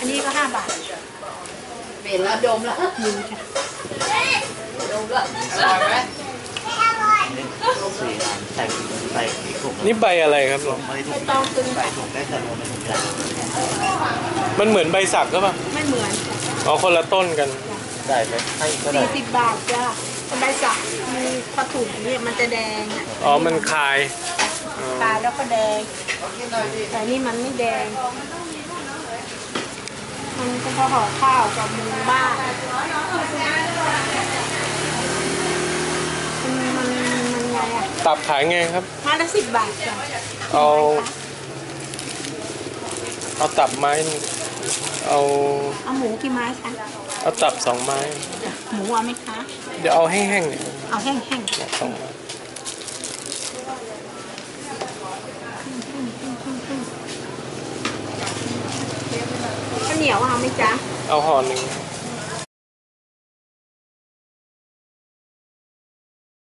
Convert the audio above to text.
อันนี้ก็5 บาทเปลี่ยนแล้วดมแล้วดูค่ะดมแล้วอร่อยไหมใส่ถุงนี่ใบอะไรครับลุงไม่ต้องตึงใส่ถุงได้แต่เราไม่ถุงใหญ่มันเหมือนใบสักก็ปล่ะไม่เหมือนอ๋อคนละต้นกันได้ไหมให้ก็ได้ 40 บาทจ้ะใบสักมีกระถุงเนี่ยมันจะแดงอ่ะอ๋อมันคายตายแล้วก็แดงแต่นี่มันไม่แดงมันก็พอห่อข้าวกับมุงบ้านมันไงอ่ะตับขายไงครับไม้ละ10 บาทจ้ะเอาตับไม้หนึ่งเอาเอาหมูกี่ไม้คะเอาตับ2 ไม้หมูเอาไหมคะเดี๋ยวเอาแห้งๆเนี่ยเอาแห้ง 2 ไม้ๆข้าวเหนียวเอาไหมจ๊ะเอาห่อหนึ่ง